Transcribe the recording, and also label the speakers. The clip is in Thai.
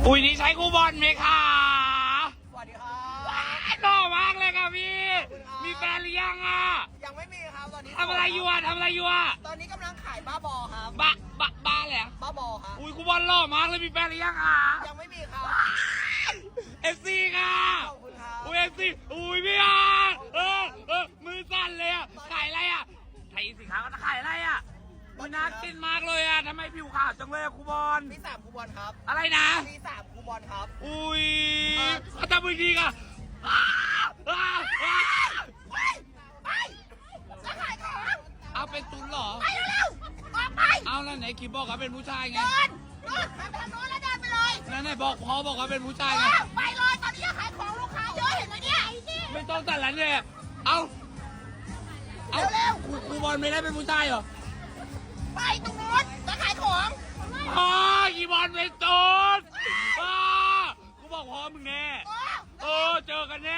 Speaker 1: อุ้ยนี่ใช้คูบอลไหมคะ
Speaker 2: สวัสดีครับ
Speaker 1: หล่อมากเลยค่ะพี่ มีแฟนหรือยังอ่ะ
Speaker 2: ยังไม่มีครับตอนนี้
Speaker 1: ทำอะไรอยู่อ่ะทำอะไรอยู่อ่ะ
Speaker 2: ตอนนี้กำลังขายบ้าบอครับ
Speaker 1: บ้าเลยอ่ะ
Speaker 2: บ้าบอครับ
Speaker 1: อุ้ยคูบอลหล่อมากเลยมีแฟนหรือยังอ่ะ
Speaker 2: ยังไม่มีครับ
Speaker 1: FC ค่ะ
Speaker 2: ขอบคุณครับ
Speaker 1: อุ้ย FC อุ้ยพี่อ่ะมือสั่นเลยอ่ะขายอะไรอ่ะไทยสินค้าก็จะขายอะไรอ่ะมันน่ากินมากเลยอ่ะทำไมผิวขาวจังเลยอ่ะคูบอล
Speaker 2: มี3คูบอลครับ
Speaker 1: อะไรนะ
Speaker 2: มี3คูบอลครับ
Speaker 1: อุ้ยเขาทำมือดีอ่ะ
Speaker 2: ไปจะขายของ
Speaker 1: เอาเป็นตุนเหรอ
Speaker 2: ไปเร็วๆออกไป
Speaker 1: เอาแล้วไหนคิดบอกว่าเป็นผู้ชายไง
Speaker 2: เดินไปทางโน้นแล้วเดินไปเลย
Speaker 1: นั่นไหนบอกพอบอกว่าเป็นผู้ชายไง
Speaker 2: ไปเลยตอนนี้จะขายของลูกค้าเยอะเห็นไหมเนี่ย
Speaker 1: ไม่ต้องตัดหลังเลยเอา
Speaker 2: เร็ว
Speaker 1: ครูบอลไม่ได้เป็นผู้ชายเหรอ
Speaker 2: ไปตรงโน้นจะขายของ
Speaker 1: คีบอลเป็นตุนกูบอกพอมึงแน่เจอกันแน่